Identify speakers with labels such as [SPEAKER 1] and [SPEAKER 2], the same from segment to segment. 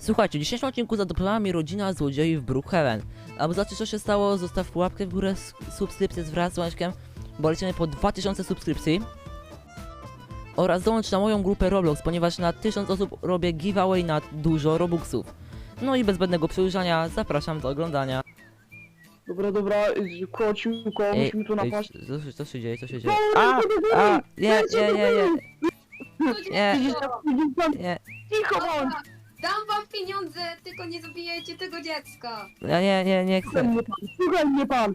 [SPEAKER 1] Słuchajcie, w dzisiejszym odcinku zadopowała mi rodzina złodziei w Brookhaven. Aby zobaczyć co się stało, zostaw łapkę w górę, subskrypcję wraz z łączkiem, bo lecimy po 2000 subskrypcji. Oraz dołącz na moją grupę Roblox, ponieważ na 1000 osób robię giveaway na dużo Robuxów. No i bez zbędnego przedłużania zapraszam do oglądania.
[SPEAKER 2] Dobra, kociuko, musimy tu napaść.
[SPEAKER 1] Co się dzieje, co się dzieje? Nie.
[SPEAKER 2] Widzisz,
[SPEAKER 1] Nie,
[SPEAKER 2] cicho bądź!
[SPEAKER 3] Dam wam pieniądze, tylko nie zabijajcie tego dziecka.
[SPEAKER 1] ja nie chcę.
[SPEAKER 2] Słuchaj mnie pan!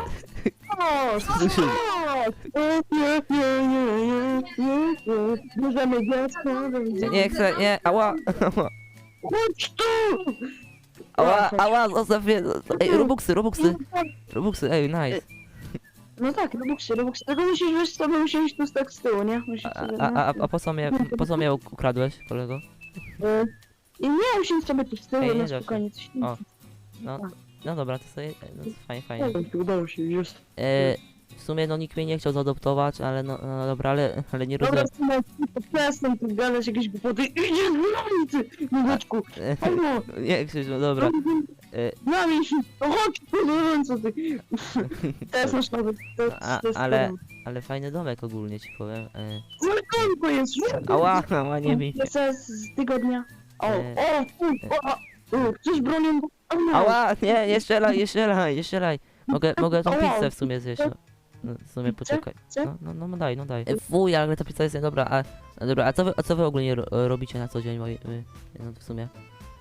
[SPEAKER 2] Bierzemy dziecko,
[SPEAKER 1] Nie chcę, nie, ała.
[SPEAKER 2] chodź tu!
[SPEAKER 1] Ała, zostaw mnie. Ej, Robuxy, ej, nice.
[SPEAKER 2] No tak, Robuxy, tylko musisz wiesz sobie usiąść tu tak z tyłu, nie? Musisz sobie,
[SPEAKER 1] A po co mnie ukradłeś, kolego?
[SPEAKER 2] I nie, usiądź sobie tu z tyłu,
[SPEAKER 1] Ej, nie
[SPEAKER 2] na
[SPEAKER 1] da się.
[SPEAKER 2] spokojnie, coś
[SPEAKER 1] O. No dobra, to sobie, no fajnie.
[SPEAKER 2] Udało się, już.
[SPEAKER 1] W sumie no nikt mnie nie chciał zaadoptować, ale no dobra, ale nie
[SPEAKER 2] Dobra,
[SPEAKER 1] rozumiem.
[SPEAKER 2] przestań tu gadać jakieś głupoty. Idzie na ulicy, Nóweczku.
[SPEAKER 1] Nie Krzysiu, no dobra.
[SPEAKER 2] Na mnie się, no chodź, no co ty. Teraz masz nowy, to jest
[SPEAKER 1] Ale fajny domek ogólnie ci powiem.
[SPEAKER 2] Zalkonko jest.
[SPEAKER 1] Ała, nie bij.
[SPEAKER 2] Z tygodnia.
[SPEAKER 1] E,
[SPEAKER 2] Chcesz bronią?
[SPEAKER 1] Ała, nie strzelaj. Mogę tą pizzę w sumie zjeść. No, w sumie poczekaj.
[SPEAKER 2] Chcę?
[SPEAKER 1] No daj. Fuj, ale ta pizza jest niedobra, a co wy ogólnie robicie na co dzień, no w sumie?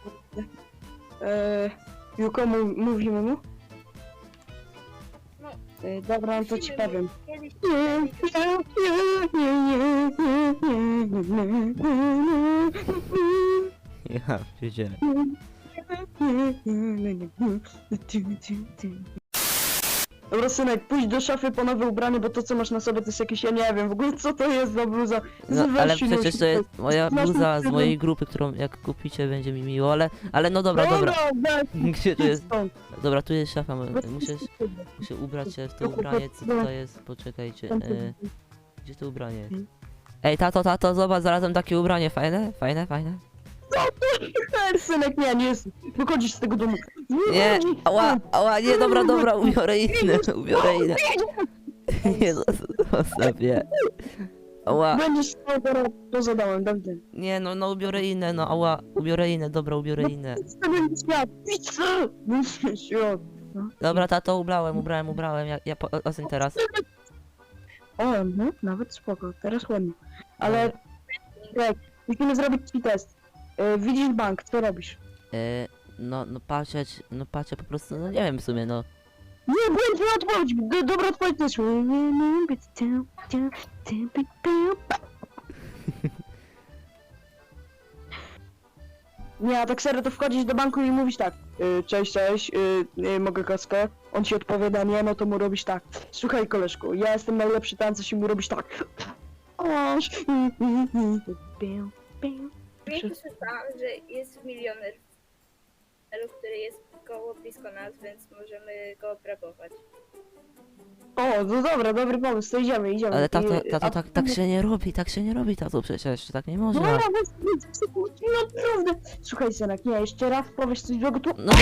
[SPEAKER 2] Juko, mówimy mu?
[SPEAKER 3] No.
[SPEAKER 2] Dobra, no to ci powiem.
[SPEAKER 3] Kiedyś
[SPEAKER 1] Ja wiedziałem.
[SPEAKER 2] Dobra, synek, pójdź do szafy po nowe ubranie, bo to co masz na sobie to jest jakieś, ja nie wiem w ogóle co to jest za bluza.
[SPEAKER 1] No,
[SPEAKER 2] Weź
[SPEAKER 1] ale
[SPEAKER 2] się,
[SPEAKER 1] przecież to jest moja
[SPEAKER 2] Masz
[SPEAKER 1] bluza z
[SPEAKER 2] ten-
[SPEAKER 1] mojej grupy, którą jak kupicie będzie mi miło, ale no dobra.
[SPEAKER 2] weź,
[SPEAKER 1] Gdzie tu
[SPEAKER 2] idź
[SPEAKER 1] jest?
[SPEAKER 2] stąd.
[SPEAKER 1] Dobra, tu jest szafa,
[SPEAKER 2] Weź
[SPEAKER 1] muszę ubrać się w to ubranie, co to jest, poczekajcie, gdzie to ubranie? Ej, tato, zobacz, znalazłem takie ubranie, fajne?
[SPEAKER 2] Synek, nie jest. Wychodzisz z tego domu.
[SPEAKER 1] Nie, ała, nie, dobra, ubiorę inne. Nie, zostaw je. Ała,
[SPEAKER 2] Będziesz to zadałem, dobrze.
[SPEAKER 1] nie, no ubiorę inne, no ała, ubiorę inne.
[SPEAKER 2] Stawiam świat, pizza! Świat.
[SPEAKER 1] Dobra, tato, ubrałem, ocen teraz.
[SPEAKER 2] O, no, nawet spoko, teraz ładnie. Ale, tak, musimy zrobić ci test. Widzisz bank, co robisz?
[SPEAKER 1] No patrzę po prostu, no nie wiem w sumie, no.
[SPEAKER 2] Nie, błędna odpowiedź! Dobra odpowiedź też. Nie, a tak serio to wchodzisz do banku i mówisz tak. Cześć, mogę kaskę? On ci odpowiada nie, no to mu robisz tak. Słuchaj koleżku, ja jestem najlepszy tancerz i mu robisz tak. Oż.
[SPEAKER 3] ja słyszałam, że jest milioner, który jest blisko nas, więc możemy go obrabować.
[SPEAKER 2] O, no dobra, dobry pomysł, to idziemy.
[SPEAKER 1] Ale tato, tak się nie robi, tato, przecież tak nie można.
[SPEAKER 2] No, naprawdę. Słuchaj synek, nie, jeszcze raz powiesz coś złego, to...
[SPEAKER 1] No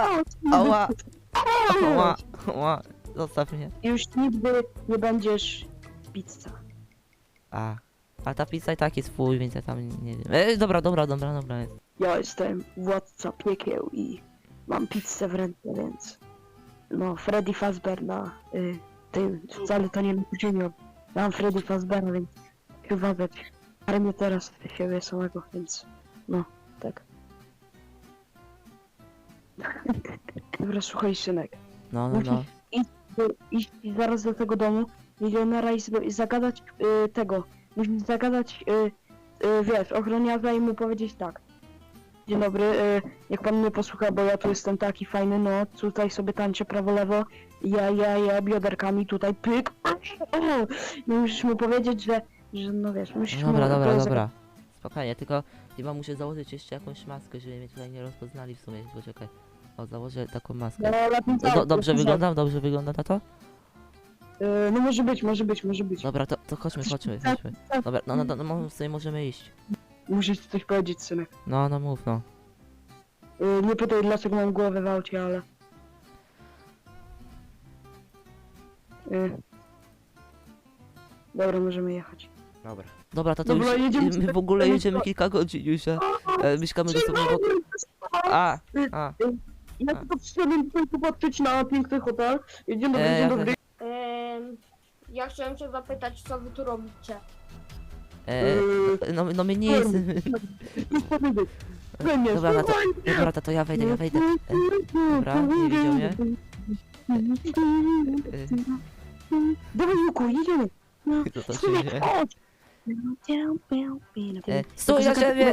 [SPEAKER 1] ała, zostaw mnie.
[SPEAKER 2] Już nigdy nie będziesz pizza.
[SPEAKER 1] A ta pizza i tak jest fuj, więc ja tam nie wiem. Dobra jest.
[SPEAKER 2] Ja jestem władca piekieł i mam pizzę w ręce, więc... No, Freddy Fazbear na tym, wcale to nie na ziemią. Mam Freddy Fazbeara, więc chyba wiesz, ale mnie teraz siebie samego, więc... No, tak. Dobra, słuchaj synek.
[SPEAKER 1] No.
[SPEAKER 2] Iść zaraz do tego domu milionera i zagadać tego. Musisz zagadać, wiesz, ochroniarza i mu powiedzieć tak. Dzień dobry, jak pan mnie posłucha, bo ja tu jestem taki fajny, no tutaj sobie tańczę prawo-lewo, ja bioderkami tutaj pyk. I musisz mu powiedzieć, że no wiesz, musisz mu...
[SPEAKER 1] Dobra. Spokojnie, tylko chyba muszę założyć jeszcze jakąś maskę, żeby mnie tutaj nie rozpoznali w sumie, poczekaj. O, założę taką maskę. Dobrze wygląda tato?
[SPEAKER 2] No może być.
[SPEAKER 1] Dobra, to chodźmy. Dobra, no w sumie możemy iść.
[SPEAKER 2] Musisz coś powiedzieć, synek.
[SPEAKER 1] No mów, no.
[SPEAKER 2] Nie pytaj dlaczego mam głowę w aucie, ale... Dobra, możemy jechać.
[SPEAKER 1] Dobra. Dobra, to
[SPEAKER 2] Dobra,
[SPEAKER 1] już
[SPEAKER 2] jedziemy
[SPEAKER 1] my w ogóle jedziemy kilka godzin już, mieszkamy dosłownie obok... A.
[SPEAKER 2] Ja tylko przyszedłem tutaj popatrzeć na piękny hotel. Dzień dobry,
[SPEAKER 1] ja
[SPEAKER 2] dzień dobry.
[SPEAKER 4] Ja chciałem się zapytać, co wy tu robicie.
[SPEAKER 1] No my nie jest... Dobra,
[SPEAKER 2] Dobra,
[SPEAKER 1] to ja wejdę. Dobra, nie widział mnie.
[SPEAKER 2] Dawaj, Juku, jedziemy. No,
[SPEAKER 1] To się
[SPEAKER 2] Synek,
[SPEAKER 1] dzieje.
[SPEAKER 2] chodź.
[SPEAKER 1] Stój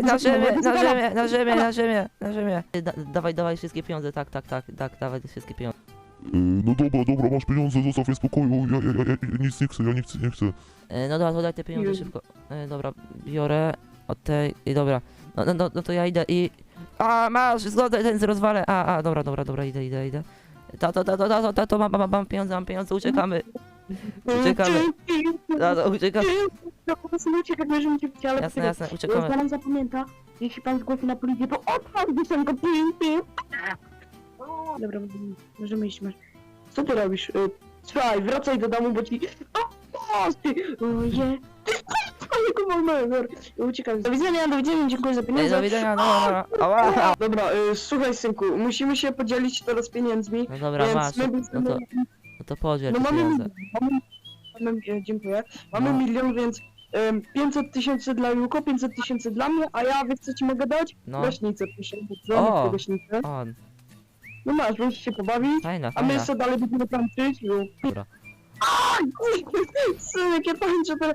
[SPEAKER 1] na ziemię! Dawaj wszystkie pieniądze, tak, dawaj wszystkie pieniądze.
[SPEAKER 5] No dobra, masz pieniądze, zostaw mnie w spokoju, ja nic nie chcę, nie chcę.
[SPEAKER 1] No dobra, to daj te pieniądze szybko. Dobra, biorę od tej i dobra. No to ja idę i... A, masz, zgodę, ten rozwalę. Dobra, idę. Tato, mam pieniądze, uciekamy. Uciekamy. Uciekamy.
[SPEAKER 2] Uciekać, możemy cię ale
[SPEAKER 1] Jasne, uciekamy.
[SPEAKER 2] Pan zapamięta, jeśli pan zgłosi na policję, to odpal piosenkę, pim. Dobra, możemy iść, Co ty robisz? Słuchaj, wracaj do domu, bo ci... O, ty! Oje! Twojego mamego! Uciekam. Do widzenia, dziękuję za pieniądze.
[SPEAKER 1] Do widzenia, ała.
[SPEAKER 2] Dobra, słuchaj synku, musimy się podzielić teraz pieniędzmi.
[SPEAKER 1] No dobra,
[SPEAKER 2] więc
[SPEAKER 1] masz,
[SPEAKER 2] my
[SPEAKER 1] no to podziel te
[SPEAKER 2] mamy,
[SPEAKER 1] pieniądze.
[SPEAKER 2] dziękuję. Mamy
[SPEAKER 1] No.
[SPEAKER 2] 1 000 000, więc 500 000 dla Juko, 500 000 dla mnie, a ja wiesz co ci mogę dać?
[SPEAKER 1] No,
[SPEAKER 2] Gaśnicę, proszę bardzo,
[SPEAKER 1] O.
[SPEAKER 2] gaśnicę.
[SPEAKER 1] on,
[SPEAKER 2] No masz, możesz się pobawić,
[SPEAKER 1] fajna.
[SPEAKER 2] a my sobie dalej będziemy tańczyć.
[SPEAKER 1] Dobra.
[SPEAKER 2] Synek, ja tańczę teraz.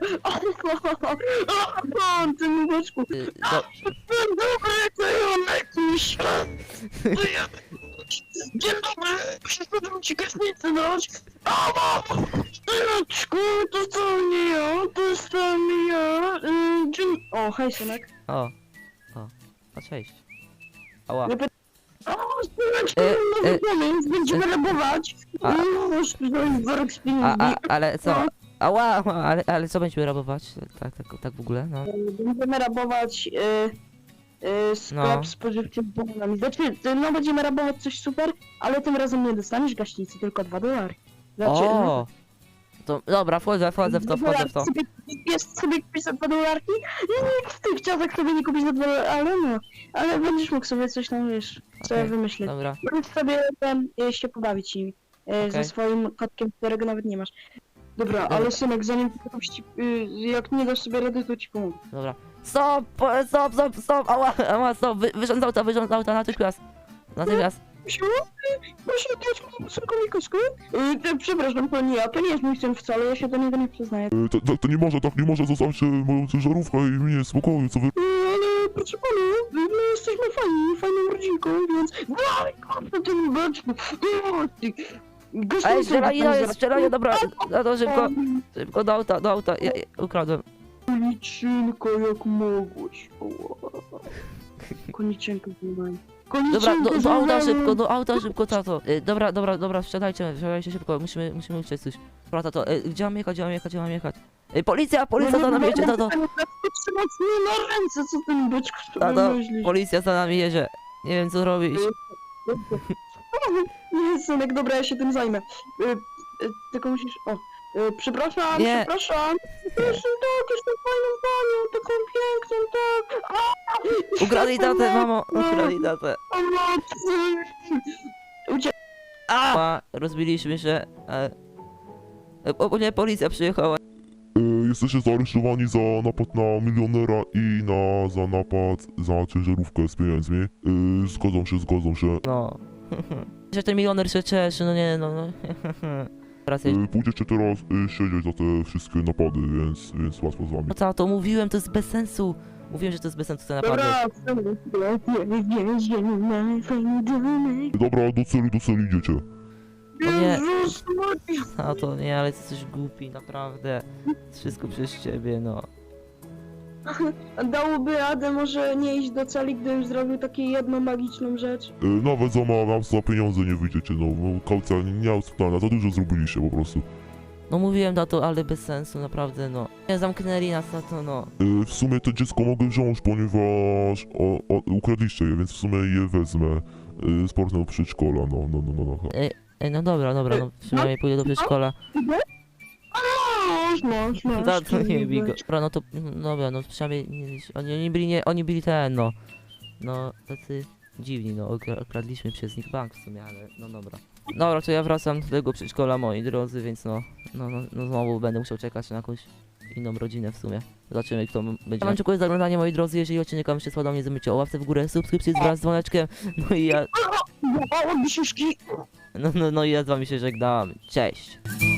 [SPEAKER 2] Ty nubeczku. Dobry, to ja jakiś. Dzień dobry, przyszedłem ci gaśnicę dać. Syneczku, to co nie ja, to jestem ja. O, hej synek.
[SPEAKER 1] O, cześć. Ała.
[SPEAKER 2] O, syneczku, nowy pomysł, będziemy rabować.
[SPEAKER 1] A-
[SPEAKER 2] Masz tutaj worek z pieniędzmi.
[SPEAKER 1] Ale co? Ała, ale co będziemy rabować? Tak w ogóle, no.
[SPEAKER 2] Będziemy rabować sklep
[SPEAKER 1] No.
[SPEAKER 2] spożywczy z bananami. Znaczy, no będziemy rabować coś super, ale tym razem nie dostaniesz gaśnicy, tylko $2. Znaczy,
[SPEAKER 1] O! To, dobra, wchodzę w to.
[SPEAKER 2] Jest sobie kupić za $2? Nikt w tych czasach sobie nie kupić za $2, ale no. Ale będziesz mógł sobie coś tam, wiesz, sobie
[SPEAKER 1] Okej,
[SPEAKER 2] wymyślić.
[SPEAKER 1] Dobra,
[SPEAKER 2] Możesz sobie się pobawić nimi. Ze
[SPEAKER 1] Okej.
[SPEAKER 2] swoim kotkiem, którego nawet nie masz. Dobra, ale synek, zanim ty kupisz ci, jak nie dasz sobie rady, to ci pomogę.
[SPEAKER 1] dobra. Stop, ała, stop, wysiądź z auta, natychmiast.
[SPEAKER 2] Proszę dać synkowi kosku? Przepraszam, to nie ja, to nie jest mój syn wcale, ja się do niego nie przyznaję.
[SPEAKER 5] To nie może, zostawcie moją ciężarówkę i mnie w spokoju, co wy...
[SPEAKER 2] Ale proszę pana, my jesteśmy fajną rodzinką, więc... Daj, na tym beczku!
[SPEAKER 1] Ej, strzelanie, dobra, no to szybko do auta, ja ukradłem.
[SPEAKER 2] Koniczynko, jak mogłeś. Koniczynko, nie
[SPEAKER 1] Dobra, do auta szybko, tato. Dobra, wsiadajcie szybko, musimy uciec coś. Dobra, tato, gdzie mam jechać? Policja za nami jedzie, tato.
[SPEAKER 2] Trzymać mnie na ręce, co ten beczku
[SPEAKER 1] Tato,
[SPEAKER 2] sobie myślisz?
[SPEAKER 1] policja za nami jedzie. Nie wiem co robić.
[SPEAKER 2] Nie, synek, dobra, ja się tym zajmę. Tylko musisz... O, przepraszam.
[SPEAKER 1] Nie.
[SPEAKER 2] Jestem jestem fajną panią, taką piękną, tak.
[SPEAKER 1] Ukradli tatę, mamo, ukradli tatę. Rozbiliśmy się. Nie, policja przyjechała.
[SPEAKER 5] Jesteście zaaresztowani za napad na milionera i za napad za ciężarówkę z pieniędzmi. Zgodzą się.
[SPEAKER 1] No. Że ten milioner się cieszy, no nie, no. Teraz jest.
[SPEAKER 5] Pójdziecie teraz siedzieć za te wszystkie napady, więc łatwo z wami.
[SPEAKER 1] No co, to mówiłem, to jest bez sensu. Mówiłem, że to jest bez sensu te napady.
[SPEAKER 5] Dobra, do celu idziecie.
[SPEAKER 1] No nie. A to nie, ale jesteś głupi, naprawdę. Wszystko przez ciebie, no.
[SPEAKER 2] Dałoby radę może nie iść do celi, gdybym zrobił taką jedną magiczną rzecz.
[SPEAKER 5] Nawet za pieniądze nie wyjdziecie, no kaucja nie miała plana, za dużo zrobiliście po prostu.
[SPEAKER 1] No mówiłem tato, ale bez sensu, naprawdę no. Nie zamknęli nas tato, no.
[SPEAKER 5] W sumie to dziecko mogę wziąć, ponieważ ukradliście je, więc w sumie je wezmę. Z portem przedszkola, no.
[SPEAKER 1] No dobra, no przynajmniej pójdę do przedszkola.
[SPEAKER 2] Masz,
[SPEAKER 1] Tato nie bij go.
[SPEAKER 2] być.
[SPEAKER 1] Dobra, no to, dobra, no przynajmniej, oni byli ten, no. No, tacy dziwni, no, okradliśmy przez nich bank w sumie, ale no dobra. Dobra, to ja wracam do tego przedszkola, moi drodzy, więc no znowu będę musiał czekać na jakąś inną rodzinę w sumie. Zobaczymy, kto będzie. Ja wam dziękuję za oglądanie, moi drodzy, jeżeli odcinek wam się spodobał, nie zamyślcie o łapce w górę, subskrypcji wraz z dzwoneczkiem, no i ja,
[SPEAKER 2] O, bisiuszki.
[SPEAKER 1] no i ja z wami się żegnam, cześć!